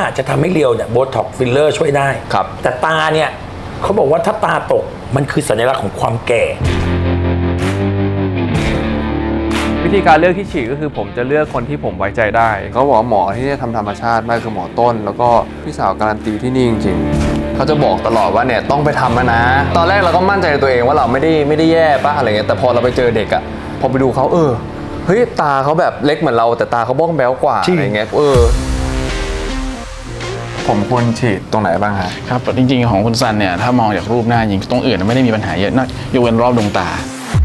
จะทำให้เรียวเนี่ยโบท็อกฟิลเลอร์ช่วยได้ครับแต่ตาเนี่ยเขาบอกว่าถ้าตาตกมันคือสัญลักษณ์ของความแก่วิธีการเลือกที่ฉีดก็คือผมจะเลือกคนที่ผมไว้ใจได้เขาบอกหมอที่จะทำธรรมชาติมากคือหมอต้น แล้วก็พี่สาวการันตีที่นี่จริงๆเขาจะบอกตลอดว่าเนี่ยต้องไปทำนะ ตอนแรกเราก็มั่นใจในตัวเองว่าเราไม่ได้แย่ป่ะอะไรเงี้ยแต่พอเราไปเจอเด็กอะพอไปดูเขาเฮ้ยตาเขาแบบเล็กเหมือนเราแต่ตาเขาบ้องแบ้วกว่าอะไรเงี้ยผมควรฉีดตรงไหนบ้างฮะครับจริงๆของคุณซันเนี่ยถ้ามองจากรูปหน้าจริงตรงอื่นไม่ได้มีปัญหาเยอะนอกยกเว้นรอบดวงตา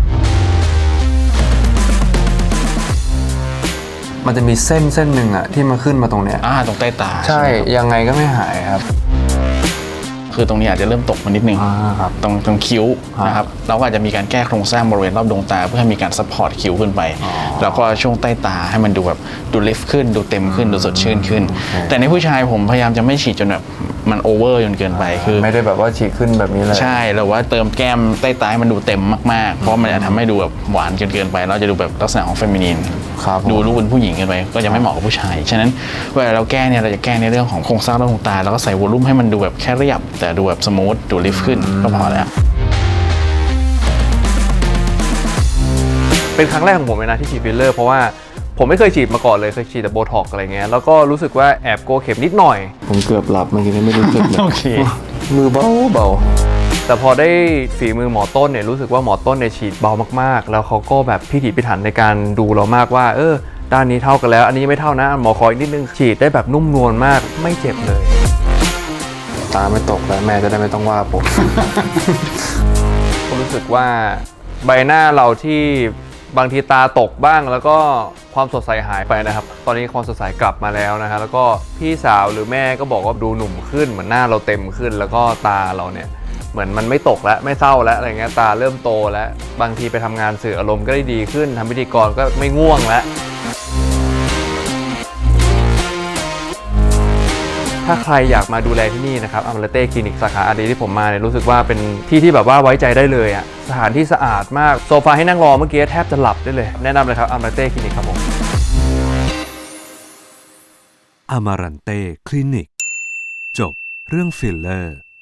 มันจะมีเส้นหนึ่งอะที่มาขึ้นมาตรงเนี้ยตรงใต้ตาใช่ยังไงก็ไม่หายครับคือตรงนี้อาจจะเริ่มตกมานิดนึงตรงคิ้วนะครับเราก็อาจจะมีการแก้โครงสร้างบริเวณรอบดวงตาเพื่อให้มีการซัพพอร์ตคิ้วขึ้นไปแล้วก็ช่วงใต้ตาให้มันดูแบบดูลิฟต์ขึ้นดูเต็มขึ้นดูสดชื่นขึ้นแต่ในผู้ชายผมพยายามจะไม่ฉีดจนแบบมันโอเวอร์จนเกินไปคือไม่ได้แบบว่าฉีดขึ้นแบบนี้เลยใช่หรือว่าเติมแก้มใต้ตาให้มันดูเต็มมากๆเพราะมันจะทำให้ดูแบบหวานเกินไปเราจะดูแบบลักษณะของเฟมินีนดูลูกเป็นผู้หญิงเกินไปก็จะไม่เหมาะกับผู้ชายฉะนั้นเวลาเราแก้เนี่ยเราจะแก้ในเรื่องของโครงสร้างรอบดวงตาแล้วก็ใส่วอลลุ่มให้มันดูแบบแค่เรียบแต่ดูแบบสมูทดูลิฟต์ขึ้นก็พอแล้วเป็นครั้งแรกของผมเลยนะที่ฉีดฟิลเลอร์เพราะว่าผมไม่เคยฉีดมาก่อนเลยเคยฉีดแต่โบท็อกอะไรเงี้ยแล้วก็รู้สึกว่าแอบโกลัวเข็มนิดหน่อยผมเกือบหลับเมื่อกี้ไม่รู้สึกเลยโอเคมือเบาแต่พอได้ฝีมือหมอต้นเนี่ยรู้สึกว่าหมอต้นเนี่ยฉีดเบามากๆแล้วเขาก็แบบพิถีพิถันในการดูเรามากว่าด้านนี้เท่ากันแล้วอันนี้ไม่เท่านะหมอขออีกนิดนึงฉีดได้แบบนุ่มนวลมากไม่เจ็บเลยตาไม่ตกแล้วแม่จะได้ไม่ต้องว่าผมผมรู้สึกว่าใบหน้าเราที่บางทีตาตกบ้างแล้วก็ความสดใสหายไปนะครับตอนนี้ความสดใสกลับมาแล้วนะฮะแล้วก็พี่สาวหรือแม่ก็บอกว่าดูหนุ่มขึ้นเหมือนหน้าเราเต็มขึ้นแล้วก็ตาเราเนี่ยเหมือนมันไม่ตกแล้วไม่เศร้าแล้วอะไรเงี้ยตาเริ่มโตแล้วบางทีไปทำงานสื่ออารมณ์ก็ได้ดีขึ้นทำพิธีกรก็ไม่ง่วงแล้วถ้าใครอยากมาดูแลที่นี่นะครับอมราเต้คลินิกสาขาอารีที่ผมมาเนี่ยรู้สึกว่าเป็นที่ที่แบบว่าไว้ใจได้เลยอ่ะสถานที่สะอาดมากโซฟาให้นั่งรอเมื่อกี้แทบจะหลับได้เลยแนะนำเลยครับอมราเต้คลินิกครับผมอมารันเต้คลินิกจบเรื่องฟิลเลอร์